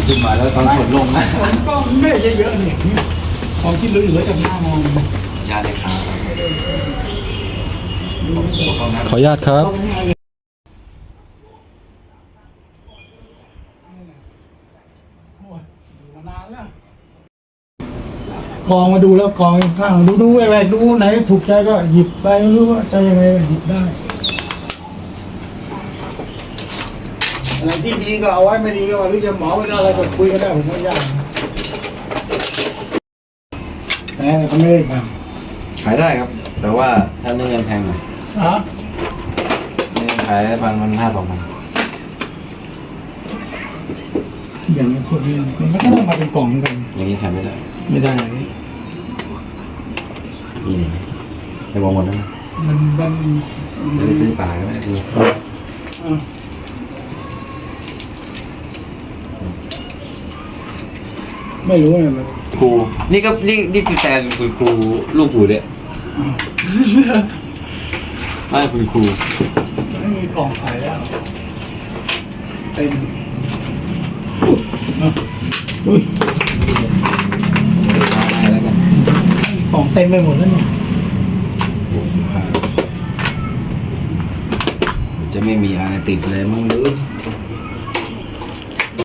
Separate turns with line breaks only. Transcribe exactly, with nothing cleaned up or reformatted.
ขึ้นมาแล้วตอนขนลงนะ
ก็ไม่ได้เยอะๆนี่ของที่เหลือๆจากหน้ามอง
ยาเลยครับ
ขออนุญาตครับ
กองมาดูแล้วกองข้างดูดูแหวกดูไหนถูกใจก็หยิบไปไม่รู้ว่าจะยังไงหยิบได้อะไรที่ดีก็เอาไว้ไม่ดีก็ว่าหรือจะหมอไม่ได้อะไรก็คุยกันได้ผมไม่ยากแต่เขาไม่ได้ทำ
ขายได้ครับ แต่ว่าถ้าเนื้อเงินแพงหน่อย
ฮะ
เนื้อขายพันมันห้าสองพัน
อย่างนี้พวกนี้มันก็ต้องมาเป็นกล่องกัน
อย่างนี้ขายไม่ได้
ไม่ได้
มีนี่ในวงหมดนะ
มันมัน
ไม่ได้ซื้อปลาก็ไม่ได้ซื้อ
ไม่รู้เลยมัน
ครูนี่ก็นี่นี่คือแฟนคุณครูลูกครูเนี่ยไม่คุณครู
ไม่มีกล่องขายแล้วเต็มอุ้ย
ให้แล้วกัน
กล่องเต็มไปหมดแล้วเนี่ย
โอ้สิบห้าจะไม่มีอะไรติดเลยมั้งหรือ